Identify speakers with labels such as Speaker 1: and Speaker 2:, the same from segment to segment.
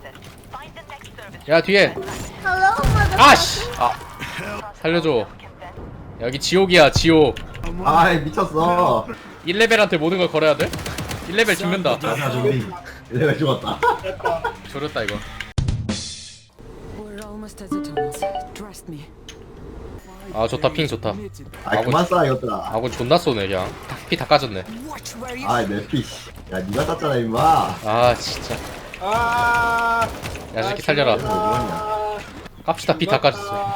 Speaker 1: 야 뒤에. 아씨. 살려줘. 여기 지옥이야 지옥.
Speaker 2: 아이 미쳤어.
Speaker 1: 1레벨한테 모든 걸 걸어야 돼? 1레벨 죽는다.
Speaker 2: 야 좀비. 내가 죽었다.
Speaker 1: 조렸다 이거.
Speaker 3: We're almost at the tunnels. Trust me.
Speaker 1: 아 좋다 핑 좋다.
Speaker 2: 아이 그만 쏴 이것들아.
Speaker 1: 아군 존나 쏘네 그냥. 피 다 까졌네.
Speaker 3: Watch where you.
Speaker 2: 아이 내 피. 야 니가 쐈잖아 임마.
Speaker 1: 아 진짜.
Speaker 4: 아,
Speaker 1: 야 새끼 살려라.
Speaker 2: 뭐 그러냐.
Speaker 1: 깝시다 피 다 까졌어.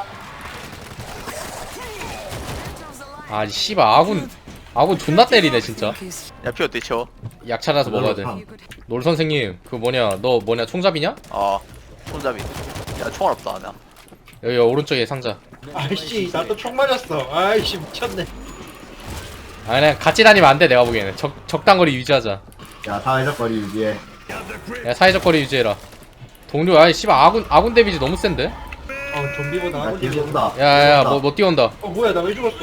Speaker 1: 아 씨발 아군 존나 때리네 진짜.
Speaker 5: 야 피 어때 채워?
Speaker 1: 약 찾아서 먹어야 돼. 놀 선생님 그 뭐냐 너 뭐냐 총잡이냐?
Speaker 5: 어 손잡이. 야 총알 없다 나.
Speaker 1: 여기 오른쪽에 상자.
Speaker 4: 아이씨, 나 또 총 맞았어. 아이씨, 미쳤네.
Speaker 1: 아 그냥 같이 다니면 안 돼 내가 보기에는. 적당거리 유지하자.
Speaker 2: 야 사회적 거리 유지해.
Speaker 1: 야 사회적 거리 유지해라. 동료 아이 씨발 아군 데미지 너무 센데?
Speaker 4: 좀비보다
Speaker 2: 야
Speaker 4: 아군
Speaker 2: 뒤에
Speaker 4: 데미지.
Speaker 2: 온다.
Speaker 1: 야야야 뭐 뛰어온다.
Speaker 4: 뭐야, 나 왜 죽었어?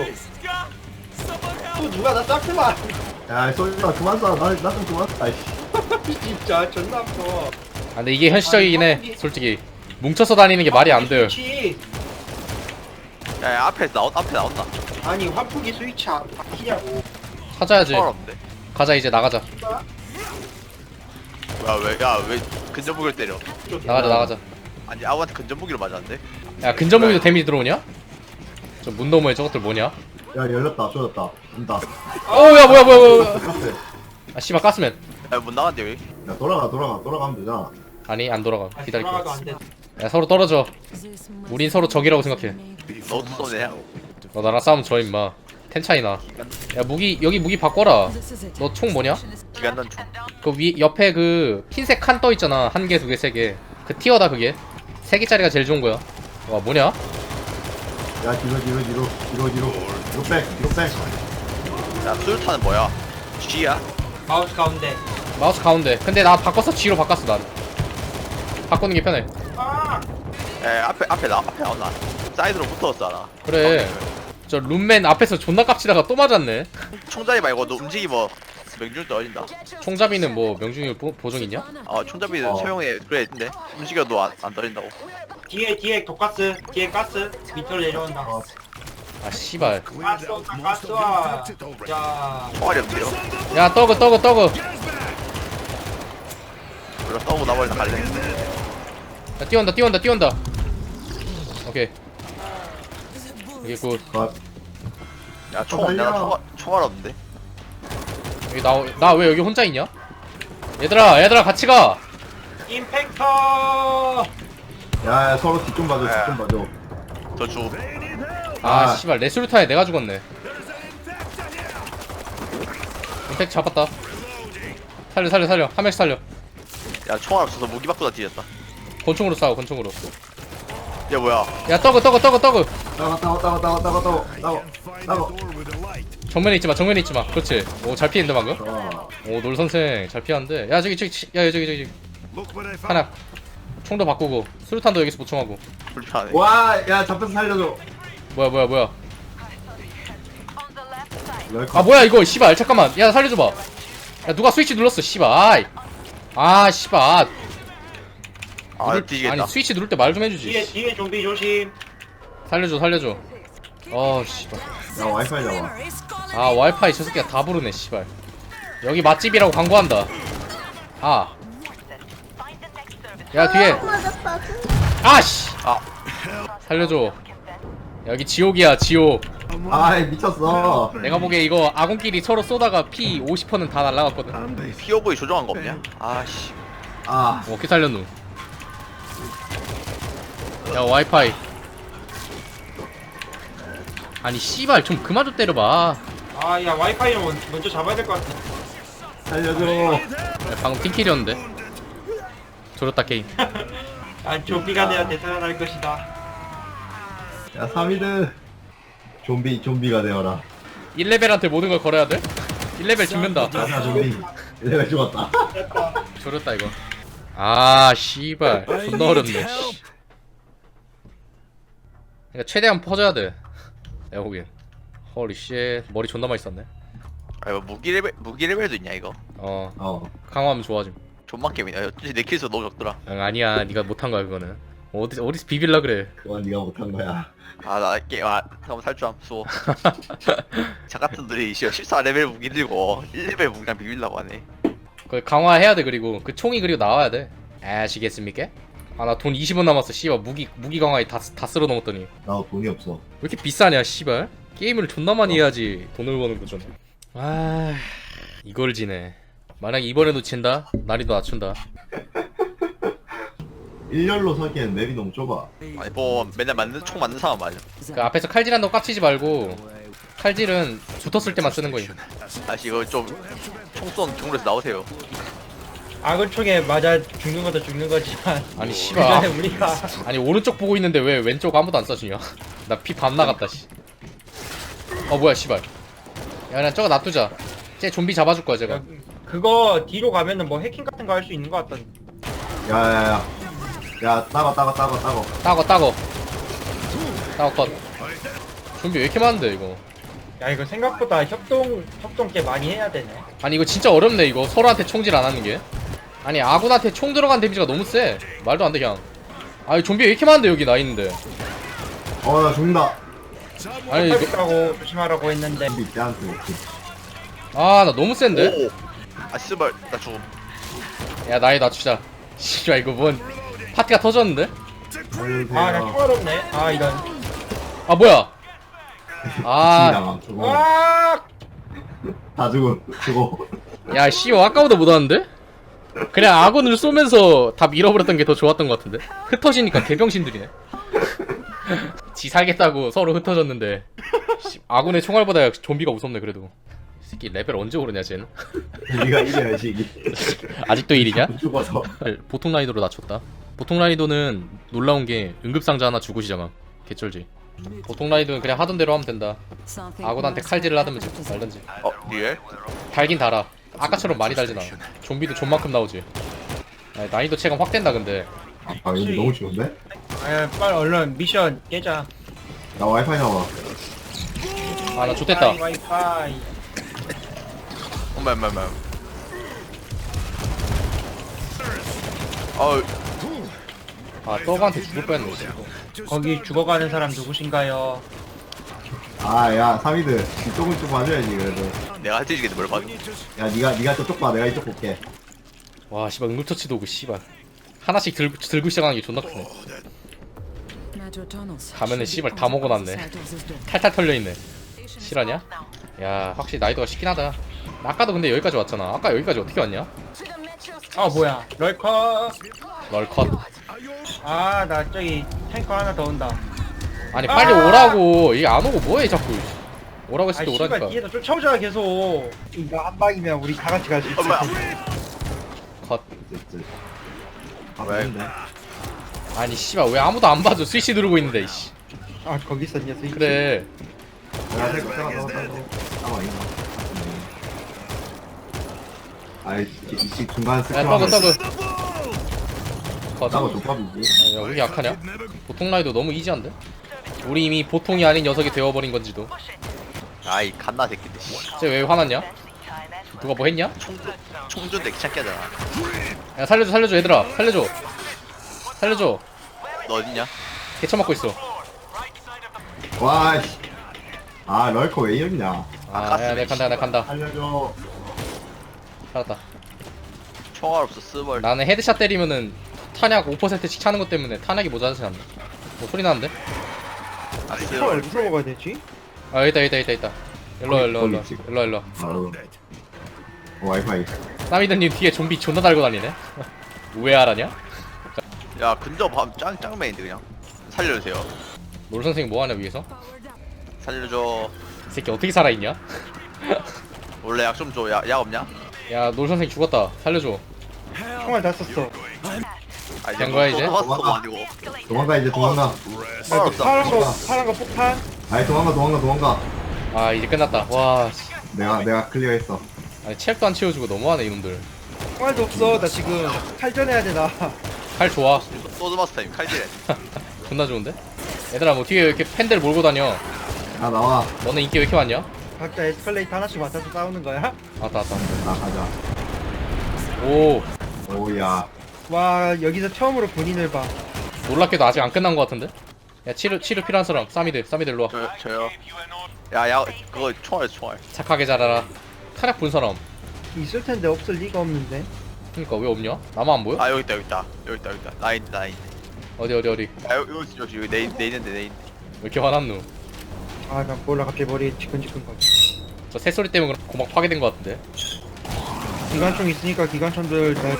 Speaker 4: 또 누가 나 짝지마.
Speaker 2: 야 소리가 그만 쏴. 나좀 그만 쏴. 아이씨.
Speaker 4: 진짜 존나 아파.
Speaker 1: 아 근데 이게 현실적이긴 해 솔직히. 뭉쳐서 다니는 게 말이 안 돼요.
Speaker 4: 스위치.
Speaker 5: 야 앞에 나온다.
Speaker 4: 아니, 환풍기 스위치 안 바뀌냐고.
Speaker 1: 찾아야지.
Speaker 5: 총알 없는데.
Speaker 1: 가자 이제 나가자.
Speaker 5: 야왜 근접무기를 때려?
Speaker 1: 나가자.
Speaker 5: 아니 아우한테 근접무기로 맞았는데.
Speaker 1: 야 근접무기도 데미지 들어오냐? 저 문 너머에 저것들 뭐냐?
Speaker 2: 야 열렸다. 쏟았다. 온다.
Speaker 1: 어우야 뭐야
Speaker 2: 카페.
Speaker 1: 아 씨발 가스맨.
Speaker 5: 야못 나간대 여기.
Speaker 2: 야 돌아가면 되잖아.
Speaker 1: 아니 안 돌아가. 기다릴게.
Speaker 4: 돌아가도 안 돼.
Speaker 1: 야 서로 떨어져. 우린 서로 적이라고 생각해.
Speaker 5: 너도 쏘네.
Speaker 1: 너 나랑 싸우면 져 임마. 텐 차이나. 야 무기 여기 무기 바꿔라.
Speaker 3: This is it.
Speaker 1: 너 총 뭐냐?
Speaker 5: 기간단 총.
Speaker 1: 그 위 옆에 그 흰색 칸 떠 있잖아. 한 개, 두 개, 세 개. 그 티어다 그게. 세 개짜리가 제일 좋은 거야. 와 뭐냐?
Speaker 2: 야 뒤로 백.
Speaker 5: 야 수류탄은 뭐야? G야?
Speaker 4: 마우스 가운데.
Speaker 1: 마우스 가운데. 근데 나 바꿨어. G로 바꿨어 난. 바꾸는 게 편해.
Speaker 4: 아!
Speaker 5: 야 앞에 나온다. 사이드로 붙어졌잖아.
Speaker 1: 그래. 저 룸맨 앞에서 존나 깝치다가 또 맞았네.
Speaker 5: 총잡이 말고 너 움직이면 명중률 떨어진다.
Speaker 1: 총잡이는 뭐 명중률 보정 있냐?
Speaker 5: 총잡이는
Speaker 2: 어.
Speaker 5: 소용에 그래 있는데 움직여도 안 떨어진다고.
Speaker 4: 뒤에 독가스. 뒤에 가스. 밑으로 내려온다.
Speaker 1: 아 씨발.
Speaker 4: 가스 온다, 가스 와. 자,
Speaker 5: 총알이 없대요.
Speaker 1: 야 떠그.
Speaker 5: 우리가 떠고 나버리다 갈래.
Speaker 1: 야 뛰어온다. 오케이. 이게 굿.
Speaker 5: 야 내가 총알 없는데.
Speaker 1: 여기 나 왜 여기 혼자 있냐? 얘들아 같이 가.
Speaker 4: 임팩터!
Speaker 2: 야 서로 뒤 좀 봐줘.
Speaker 5: 저 주.
Speaker 1: 아 씨발 레스루타에 내가 죽었네. 임팩 잡았다. 살려. 한 명씩 살려.
Speaker 5: 야 총알 없어서 무기 바꾸다 뒤졌다.
Speaker 1: 권총으로 싸워 권총으로.
Speaker 5: 야 뭐야?
Speaker 1: 야 떠그.
Speaker 2: 따고.
Speaker 1: 정면에 있지 마. 그렇지. 오 잘 피했는데 방금.
Speaker 2: 어.
Speaker 1: 오 놀 선생 잘 피하는데. 야 저기 하나. 총도 바꾸고 수류탄도 여기서 보충하고.
Speaker 5: 불편하네.
Speaker 2: 와야 잡혀서 살려줘.
Speaker 1: 뭐야. 아 뭐야 이거 씨발 잠깐만. 야 살려줘봐. 야 누가 스위치 눌렀어 씨발. 아 씨발.
Speaker 5: 뒤지겠다.
Speaker 1: 아니 스위치 누를 때 말 좀 해주지.
Speaker 4: 뒤에 좀비 조심.
Speaker 1: 살려줘. 씨발.
Speaker 2: 야 와이파이 잡아.
Speaker 1: 아 와이파이 저 새끼가 다 부르네 씨발. 여기 맛집이라고 광고한다. 야 뒤에. 아씨. 살려줘. 여기 지옥이야 지옥.
Speaker 2: 아이 미쳤어.
Speaker 1: 내가 보기에 이거 아군끼리 서로 쏘다가 피 50%는 다 날라갔거든.
Speaker 5: 피오브이 조정한 거 없냐? 아씨.
Speaker 1: 어떻게 살렸누? 야 와이파이. 아니 씨발 좀 그만 좀 때려봐.
Speaker 4: 아, 야, 와이파이는 먼저 잡아야 될 것 같아.
Speaker 2: 살려줘.
Speaker 1: 야, 방금 팀킬이었는데. 졸었다 게임.
Speaker 4: 아, 좀비가 내가 되살아날 것이다.
Speaker 2: 야 3위드. 좀비가 되어라.
Speaker 1: 1레벨한테 모든 걸 걸어야 돼? 1레벨 죽는다.
Speaker 2: 야 좀비. 내가 죽었다.
Speaker 1: 졸었다 이거. 아 씨발 존나 어렵네. 씨. 그러니까 최대한 퍼져야 돼. 내가 보기엔. 헐리 쉣. 머리 존나 많이 썼네.
Speaker 5: 아 이거 무기 레벨도 있냐 이거?
Speaker 1: 어
Speaker 2: 어.
Speaker 1: 강화하면 좋아짐.
Speaker 5: 존만 게임이야. 내 킬수 너무 적더라.
Speaker 1: 응, 아니야 네가 못한 거야 그거는. 어디서 비빌라 그래.
Speaker 2: 그건 네가 못한 거야.
Speaker 5: 나 게임 잠깐만 살줄 수호. 자 같은 들이 14레벨 무기 들고 1레벨 무기랑 비빌라고 하네.
Speaker 1: 그걸 강화해야 돼. 그리고 그 총이 그리고 나와야 돼. 아시겠습니까? 아 나 돈 20원 남았어. 씨발 무기 강화에 다 쓸어 넣었더니
Speaker 2: 나 돈이 없어.
Speaker 1: 왜 이렇게 비싸냐 씨발. 게임을 존나 많이 해야지 돈을 버는 거잖아. 아 이걸 지네. 만약 이번에도 진다 난이도 낮춘다.
Speaker 2: 일렬로 서기엔 맵이 너무 좁아.
Speaker 5: 아니 뭐 맨날 총 맞는 사람 맞아.
Speaker 1: 그 앞에서 칼질한다고 깝치지 말고 칼질은 붙었을 때만 쓰는 거임.
Speaker 5: 아씨 이거 좀 총쏜 경로에서 나오세요.
Speaker 6: 악을 총에 맞아 죽는 것도 죽는 거지만
Speaker 1: 아니
Speaker 6: 그
Speaker 1: 씨발.
Speaker 6: 전에 우리가
Speaker 1: 아니 오른쪽 보고 있는데 왜 왼쪽 아무도 안 쏴주냐? 나 피 반 나갔다 씨. 뭐야 씨발. 야 그냥 저거 놔두자. 쟤 좀비 잡아줄 거야 제가.
Speaker 6: 그거 뒤로 가면은 뭐 해킹 같은 거 할 수 있는 거 같던데.
Speaker 2: 야야야. 야 따거.
Speaker 1: 따거 컷. 좀비 왜 이렇게 많은데 이거.
Speaker 6: 야 이거 생각보다 협동 꽤 많이 해야 되네.
Speaker 1: 아니 이거 진짜 어렵네 이거. 서로한테 총질 안 하는 게. 아니 아군한테 총 들어간 데미지가 너무 세. 말도 안 돼 그냥. 아니 좀비 왜 이렇게 많은데 여기 나 있는데.
Speaker 2: 나 죽는다.
Speaker 1: 아니 이거
Speaker 6: 팔다고 조심하라고 했는데.
Speaker 2: 좀비 떼한테 먹지.
Speaker 1: 아 나 너무 센데?
Speaker 5: 오. 아 씨발 나 죽음.
Speaker 1: 야 나이 낮추자. 씨발 이거 뭔 파티가 터졌는데?
Speaker 2: 살려주세요.
Speaker 6: 아나 총알 없네. 아 이런.
Speaker 1: 아 뭐야? 아
Speaker 2: 진짜 죽어.
Speaker 6: 와.
Speaker 2: 다 죽어.
Speaker 1: 야 씨발 아까보다 못하는데? 그냥 아군을 쏘면서 다 밀어버렸던 게 더 좋았던 것 같은데? 흩어지니까 개병신들이네. 지 살겠다고 서로 흩어졌는데 씨, 아군의 총알보다 좀비가 무섭네 그래도. 이 새끼 레벨 언제 오르냐 쟤는?
Speaker 2: 네가 이겨야지 이게.
Speaker 1: 아직도 1이냐?
Speaker 2: 죽어서.
Speaker 1: 보통 난이도로 낮췄다. 보통 난이도는 놀라운 게 응급상자 하나 주고 시작함. 개쩔지. 보통 난이도는 그냥 하던 대로 하면 된다. 아군한테 칼질을 하든지 말든지.
Speaker 5: 리얼?
Speaker 1: 달긴 달아. 아까처럼 많이 달진 않아. 좀비도 존만큼 나오지. 아니, 난이도 체감 확 된다 근데.
Speaker 2: 여기 너무 쉬운데?
Speaker 6: 아 빨리 얼른 미션 깨자.
Speaker 2: 나 와이파이 나와.
Speaker 1: 아 나 좋댔다.
Speaker 6: 와이파이.
Speaker 5: 엄마. 어우
Speaker 1: 아 떡한테 죽을 뻔했네.
Speaker 6: 거기 죽어가는 사람 누구신가요?
Speaker 2: 야 사미드 이쪽은 좀 봐줘야지 그래도.
Speaker 5: 내가 할 때 주겠는데 뭘 봐도.
Speaker 2: 야 니가 저쪽 봐. 내가 이쪽 볼게.
Speaker 1: 와 씨발 응급처치도 오고 씨발. 하나씩 들고 시작하는 게 존나 크네. 가면은 씨발 다 먹어놨네. 탈탈 털려있네. 실화냐? 야 확실히 난이도가 쉽긴 하다. 나 아까도 근데 여기까지 왔잖아. 아까 여기까지 어떻게 왔냐?
Speaker 6: 아 뭐야 럴커.
Speaker 1: 널컷.
Speaker 6: 아 나 저기 탱커 하나 더 온다.
Speaker 1: 아니 빨리 오라고. 이게 안 오고 뭐해 자꾸. 오라고 했을 때
Speaker 6: 씨발
Speaker 1: 오라니까.
Speaker 6: 뒤에서 쫓아오잖아 계속. 이거 한 방이면 우리 다 같이 갈 수 있어.
Speaker 5: 엄마.
Speaker 1: 컷.
Speaker 5: 왜?
Speaker 2: 근데
Speaker 1: 아니 씨발 왜 아무도 안 봐줘. 스위치 누르고 있는데 이씨.
Speaker 6: 아 거기 있었냐 스위치.
Speaker 1: 그래.
Speaker 2: 야 잠깐만 있나? 이 중간
Speaker 1: 야
Speaker 2: 스크롤.
Speaker 1: 떡은 컷.
Speaker 2: 따고 족밥이지.
Speaker 1: 야 우리 약하냐? 보통 라이도 너무 이지한데? 우리 이미 보통이 아닌 녀석이 되어버린 건지도.
Speaker 5: 아이 갓나 새끼들.
Speaker 1: 쟤 왜 화났냐? 누가 뭐 했냐?
Speaker 5: 총준데 귀찮게 하잖아.
Speaker 1: 야 살려줘 얘들아. 살려줘.
Speaker 5: 너 어딨냐?
Speaker 1: 개쳐맞고 있어.
Speaker 2: 와 씨. 럴커 왜 이러냐?
Speaker 1: 야 내가 간다.
Speaker 2: 살려줘.
Speaker 1: 살았다.
Speaker 5: 총알 없어 스벌.
Speaker 1: 나는 헤드샷 때리면은 탄약 5%씩 차는 것 때문에 탄약이 모자라지 않나. 뭐 소리 나는데?
Speaker 5: 아
Speaker 6: 탱커를
Speaker 5: 스벌.
Speaker 6: 무슨 먹어야 되지?
Speaker 1: 아 있다. 일로와.
Speaker 2: 와이파이.
Speaker 1: 사미드님 뒤에 좀비 존나 달고 다니네. 우회하라냐?
Speaker 5: 야 근접 밤 짱맨인데 그냥. 살려주세요.
Speaker 1: 놀 선생님 뭐하냐 위에서?
Speaker 5: 살려줘.
Speaker 1: 이 새끼 어떻게 살아있냐?
Speaker 5: 원래 약 좀 줘. 약 없냐?
Speaker 1: 야 놀 선생님 죽었다. 살려줘.
Speaker 6: 총알 다 썼어.
Speaker 5: 아
Speaker 1: 된 거야, 이제?
Speaker 5: 도 아니고.
Speaker 2: 도망가 이제 도망가.
Speaker 5: 총알 없다.
Speaker 6: 파란 거 폭탄.
Speaker 2: 아이 도망가.
Speaker 1: 아 이제 끝났다. 와 씨.
Speaker 2: 내가 클리어했어.
Speaker 1: 아니 체력도 안 채워주고 너무하네 이놈들.
Speaker 6: 총알도 없어. 나 지금 칼전해야 돼 나.
Speaker 1: 칼 좋아.
Speaker 5: 소드마스 타임 칼질해.
Speaker 1: 존나 좋은데? 얘들아 뭐 뒤에 왜 이렇게 팬들 몰고 다녀?
Speaker 2: 나와.
Speaker 1: 너네 인기 왜 이렇게 많냐?
Speaker 6: 각자 에스컬레이터 하나씩 맡아서 싸우는 거야?
Speaker 1: 왔다.
Speaker 2: 나 가자.
Speaker 1: 오.
Speaker 2: 오야.
Speaker 6: 와 여기서 처음으로 본인을 봐.
Speaker 1: 놀랍게도 아직 안 끝난 것 같은데? 야 치료 필요한 사람 사미드 일로 와.
Speaker 5: 저요. 야 그거 총알.
Speaker 1: 착하게 자라라. 타락 본 사람.
Speaker 6: 있을 텐데 없을 리가 없는데.
Speaker 1: 그니까 왜 없냐? 나만 안 보여?
Speaker 5: 아 여기 있다. 나 있네.
Speaker 1: 어디
Speaker 5: 야 여기 내 있는데.
Speaker 1: 왜 이렇게 화났누?
Speaker 6: 아나 몰라 갑자기 머리 지끈지끈 거지.
Speaker 1: 저 새소리 때문에 고막 파괴된 것 같은데?
Speaker 6: 기관총 있으니까 기관총들 다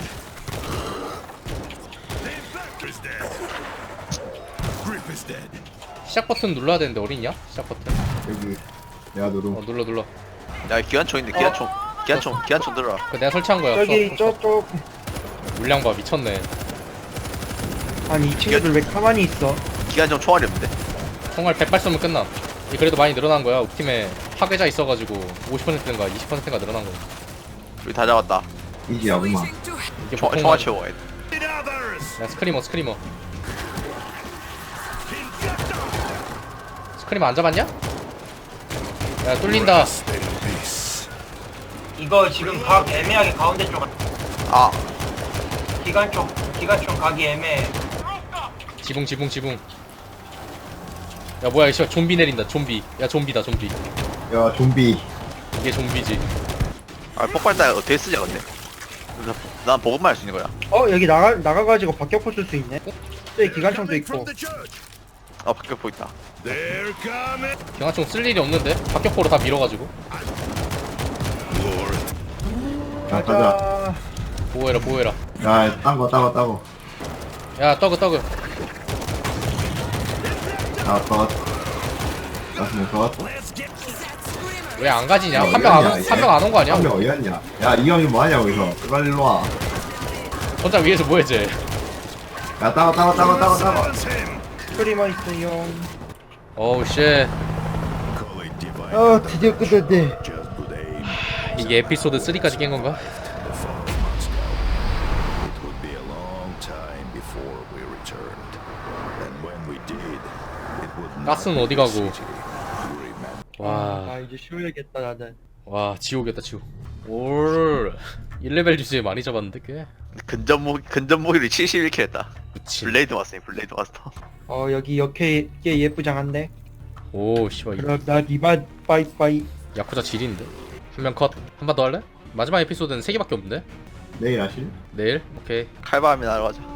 Speaker 1: 시작 버튼 눌러야 되는데 어딨냐? 시작 버튼.
Speaker 2: 여기. 내가 누름.
Speaker 1: 눌러.
Speaker 5: 야 기관총 있네. 기관총 들어라.
Speaker 1: 그 내가 설치한 거야.
Speaker 6: 저기 저쪽.
Speaker 1: 물량 봐 미쳤네.
Speaker 6: 아니 이 친구들 왜 가만히 있어?
Speaker 5: 기관총 총알이 없는데.
Speaker 1: 총알 100발 쏘면 끝남. 이 그래도 많이 늘어난 거야. 우리 팀에 파괴자 있어가지고 50%인가 20%가 늘어난 거야.
Speaker 5: 우리 다 잡았다.
Speaker 2: 이지야구만.
Speaker 1: 이게
Speaker 5: 총알
Speaker 1: 보통
Speaker 5: 채워야 돼.
Speaker 1: 야 스크리머 안 잡았냐? 야 뚫린다.
Speaker 6: 이거 지금 각 애매하게 가운데 쪽
Speaker 5: 아
Speaker 6: 기관총 각이 애매해.
Speaker 1: 지붕. 야 뭐야 이 씨발 좀비 내린다. 좀비. 야 좀비다.
Speaker 2: 야 좀비.
Speaker 1: 이게 좀비지.
Speaker 5: 폭발탄 어떻게 쓰냐 근데. 난 보급만 할 수 있는 거야.
Speaker 6: 여기 나가가지고 박격포 쓸 수 있네. 저기 기관총도 있고.
Speaker 5: 밖에 보인다.
Speaker 1: 경화총 쓸 일이 없는데 박격포로 다 밀어가지고.
Speaker 2: 야 가자.
Speaker 6: 가자.
Speaker 1: 보호해라.
Speaker 2: 야 따고.
Speaker 1: 야 떡그.
Speaker 2: 야 컷. 나스는 컷.
Speaker 1: 왜 안 가지냐?
Speaker 2: 야,
Speaker 1: 한 명
Speaker 2: 어디갔냐,
Speaker 1: 안 온 거 아니야?
Speaker 2: 한 명 어디갔냐? 야 이 형이 뭐하냐 여기서? 빨리 일로 와.
Speaker 1: 혼자 위에서 뭐해 쟤?
Speaker 2: 야 따고.
Speaker 6: 스크리머 있어요.
Speaker 1: 어우 쉣.
Speaker 6: 드디어 끝났네.
Speaker 1: 이게 에피소드 3까지 깬 건가? 가스는 어디 가고?
Speaker 6: 나 이제 쉬어야겠다 나는.
Speaker 1: 와 지옥이었다 지옥. 올 1레벨 주제에 많이 잡았는데 꽤.
Speaker 5: 근접무기를 71킬 했다.
Speaker 1: 그치.
Speaker 5: 블레이드 마스터.
Speaker 6: 여기 역해 꽤 예쁘장한데.
Speaker 1: 오 씨발
Speaker 6: 그럼 난 이만 빠이빠이.
Speaker 1: 야쿠자 질인데. 한 명 컷. 한 번 더 할래? 마지막 에피소드는 3개밖에 없는데?
Speaker 2: 내일 하실?
Speaker 1: 내일? 오케이.
Speaker 5: 칼바람이 날아가자.